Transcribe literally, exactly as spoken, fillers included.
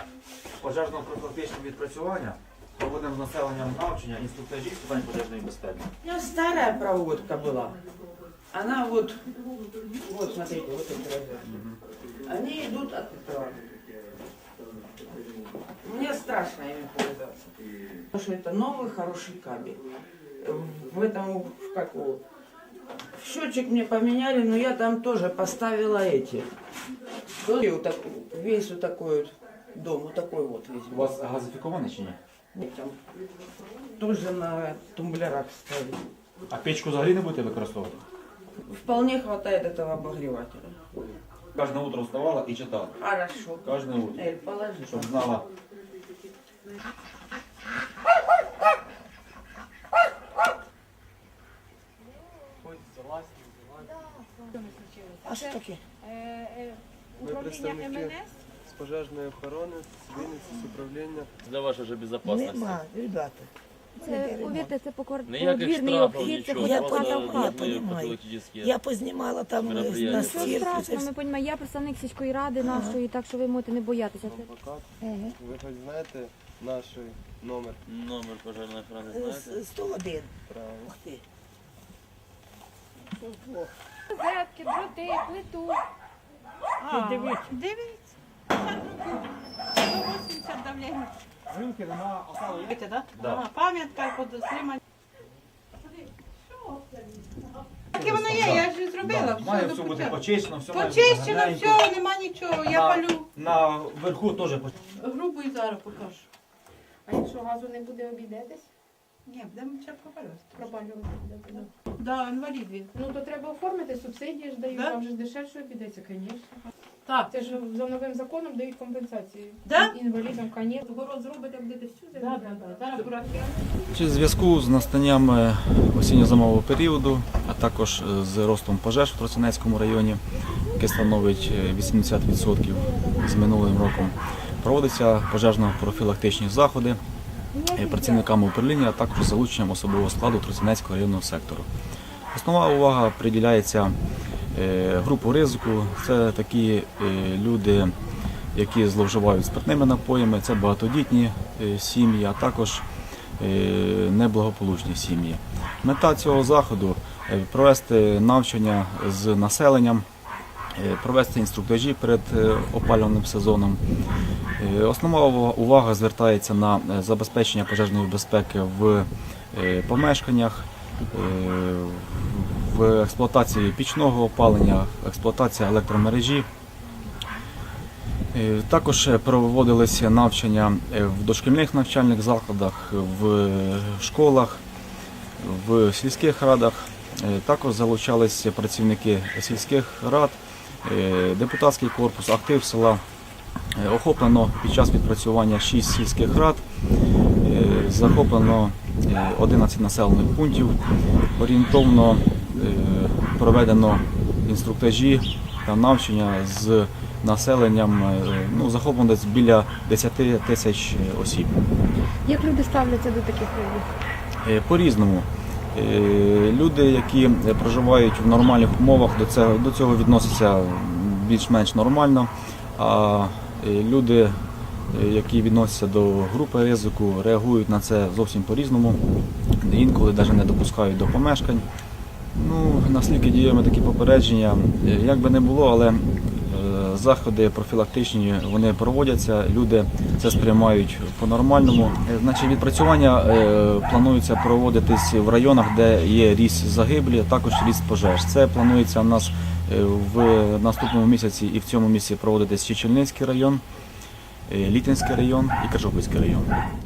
пожежно-профілактичного відпрацювання проводимо з населенням навчання інструктажів з питань пожежної безпеки. У меня старая проводка была. Она вот, вот смотрите, вот эти розетки. Они идут от этого. Мне страшно ими пользоваться. Потому что это новый хороший кабель. В этом, как его, счетчик мне поменяли, но я там тоже поставила эти. Вот так, весь вот такой вот дом, вот такой вот весь. У вас газифіковане чи ні? Нет, там тоже на тумблерах ставить. А печку взагалі не будете використовувати? Вполне хватает этого обогревателя. Кожне утро вставала і читала. Хорошо. Кожне утро. Эль, положи. Щоб знала. А що таке? Ми представники з пожежної охорони, з Вінниці, з управління. Для вашої ж безпечності. Нема, ребята. Це, повірте, це покор- Ніяких подвірний штрафів, обхід, це нічого. Я ходить поняла, хата в я хату. понимаю. профілактичні. Я познімала там на Мероприятия. Що стірку. страшно, ми понімаємо, я представник сільської ради нашої, так що ви можете не боятися. Це- Адвокат. Ага. Ви хоч знаєте наш номер? Номер пожежної охорони Е, знаєте? с- сто один. Правильно. Ух ти. Розетки, дроти, плиту. Дивіться. Дивіться. сто вісімдесят давлення. Ринки нема, осталось. Бачите, да? Да. Ага, пам'ятка подосима. Таке воно є, я ж зробила. Має Все все до бути пуття. почищено, все має бути Почищено, гарненько. все, нема нічого. Я На- палю На верху теж почищено. грубу і зараз покажу. А якщо газу не буде, обійдетесь? Ні, будемо ще пропалювати. Пропалювати будете. Да, інвалід він. Ну то треба оформити, субсидії ж дають, Да? вам же ж дешевше обійдеться, звісно. Так, Це ж за новим законом дають компенсації. Да? Інвалідам, звісно. город зробите, будете всю Да, землю. да, да. Зараз бурахи. У зв'язку з настанням е, осінньо-зимового періоду, а також е, з ростом пожеж в Тростянецькому районі, яке становить е, вісімдесят відсотків з минулим роком, проводяться пожежно-профілактичні заходи е, працівниками управління, а також з залученням особового складу Тростянецького районного сектору. Основна увага приділяється е, групу ризику. Це такі е, люди, які зловживають спиртними напоями, це багатодітні е, сім'ї, а також е, неблагополучні сім'ї. Мета цього заходу е, провести навчання з населенням, е, провести інструктажі перед е, опалювальним сезоном. Е, Основна увага звертається на е, забезпечення пожежної безпеки в е, помешканнях, е, в експлуатації пічного опалення, експлуатація електромережі. Е, Також проводилися навчання е, в дошкільних навчальних закладах, в школах, в сільських радах. Е, Також залучалися працівники сільських рад, е, депутатський корпус, актив села. Е, Охоплено під час відпрацювання шість сільських рад, е, захоплено е, одинадцять населених пунктів, орієнтовно е, проведено інструктажі та навчання з населенням, е, ну, захоплено десь біля десять тисяч осіб. Як люди ставляться до таких ризиків? Е, По-різному. Е, Люди, які проживають в нормальних умовах, до цього, до цього відносяться більш-менш нормально, а е, люди, е, які відносяться до групи ризику, реагують на це зовсім по-різному, інколи навіть не допускають до помешкань. Ну, наскільки діємо такі попередження, е, як би не було, але е, заходи профілактичні вони проводяться, люди це сприймають по-нормальному. Е, Значить, відпрацювання е, планується проводитись в районах, де є ріст загиблі, також ріст пожеж. Це планується у нас е, в наступному місяці і в цьому місяці проводитись Чечільницький район, е, Літинський район і Кажопільський район.